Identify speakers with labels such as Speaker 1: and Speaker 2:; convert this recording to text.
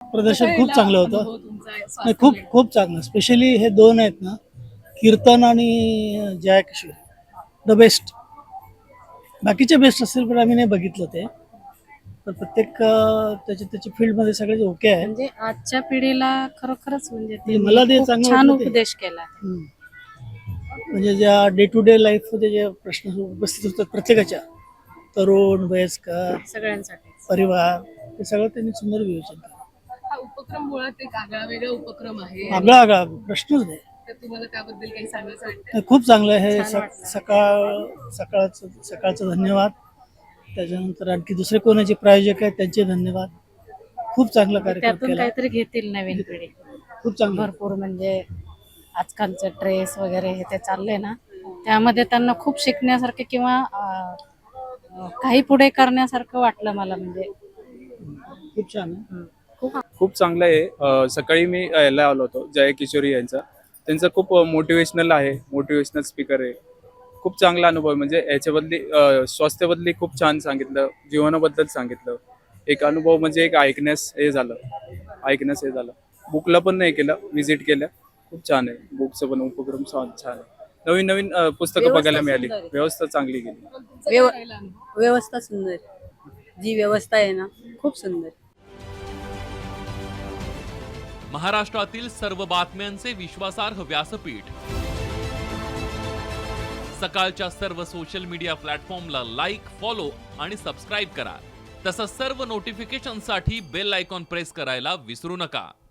Speaker 1: प्रदर्शन खूप चांगलं होतं.
Speaker 2: अनुभव तुमचा आहे
Speaker 1: नाही,
Speaker 2: स्वास्थ्य
Speaker 1: खूप
Speaker 2: मेळाव्यात?
Speaker 1: खूप चांगलं. स्पेशली हे 2 आहेत ना, कीर्तन आणि जया किशोर द बेस्ट. बाकीचे बेस्ट असतील पण आम्ही नाही बघितलं ते. तर प्रत्येक त्याच्या त्याच्या फील्डमध्ये सगळे ओके आहेत.
Speaker 3: म्हणजे आजच्या पिढीला खरोखरच म्हणजे
Speaker 1: मला
Speaker 3: त्यांनी
Speaker 1: ते
Speaker 3: खूप
Speaker 1: चांगलं
Speaker 3: छान
Speaker 1: वाटलं ते.
Speaker 3: उपदेश केला.
Speaker 1: हम्म. म्हणजे ज्या डे टू डे लाईफमध्ये जे प्रश्न उपस्थित होतात प्रत्येकाच्या, तरुण, वयस्कर,
Speaker 3: सगळ्यांसाठी
Speaker 1: परिवार, ते सगळं त्यांनी सुंदर विवेचन केलं.
Speaker 2: हा उपक्रम मुळात एक आगळा वेगळा उपक्रम आहे आणि
Speaker 1: आगळा आगळा प्रश्नच नाही.
Speaker 2: तर तुम्हाला त्याबद्दल काही सांगायचं वाटतं?
Speaker 1: नाही, खूप चांगलं आहे हे.
Speaker 3: छान वाटलं.
Speaker 1: सकाळचं धन्यवाद. त्याच्यानंतर आणखी दुसरे कोणाचे प्रायोजक आहेत त्यांचे धन्यवाद. खूप चांगला कार्यक्रम
Speaker 3: त्यातून
Speaker 1: केला.
Speaker 3: काहीतरी घेतील नवीन पिढी.
Speaker 1: खूप चांगलं.
Speaker 3: भरपूर म्हणजे आजकालचं ड्रेस वगैरे हे ते चाललंय ना, त्यामध्ये त्यांना खूप शिकण्यासारखं किंवा काही पुढे करण्यासारखं वाटलं मला. म्हणजे
Speaker 1: खूप छान आहे.
Speaker 4: खूप चांगलं आहे. सकाळी मी यायला आलो होतो जय किशोरी यांचा. त्यांचं खूप मोटिवेशनल आहे, मोटिवेशनल स्पीकर आहे. खूप चांगला अनुभव आहे. म्हणजे याच्याबद्दली स्वास्थ्याबद्दली खूप छान सांगितलं, जीवनाबद्दल सांगितलं. एक अनुभव म्हणजे एक ऐकण्यास हे झालं. बुकला पण नाही केलं, व्हिजिट केलं. खूप छान आहे. बुकचं पण उपक्रम छान आहे. नवीन नवीन पुस्तकं बघायला मिळाली. व्यवस्था चांगली गेली.
Speaker 2: तुमचा काय राहिला अनुभव?
Speaker 5: व्यवस्था सुंदर, जी व्यवस्था आहे ना खूप सुंदर.
Speaker 6: महाराष्ट्रातील सर्व बातम्यांचे विश्वासार्ह व्यासपीठ. सकाळच्या सर्व सोशल मीडिया प्लॅटफॉर्मला लाईक, फॉलो आणि सबस्क्राईब करा. तसंच सर्व नोटिफिकेशनसाठी बेल आयकॉन प्रेस करायला विसरू नका.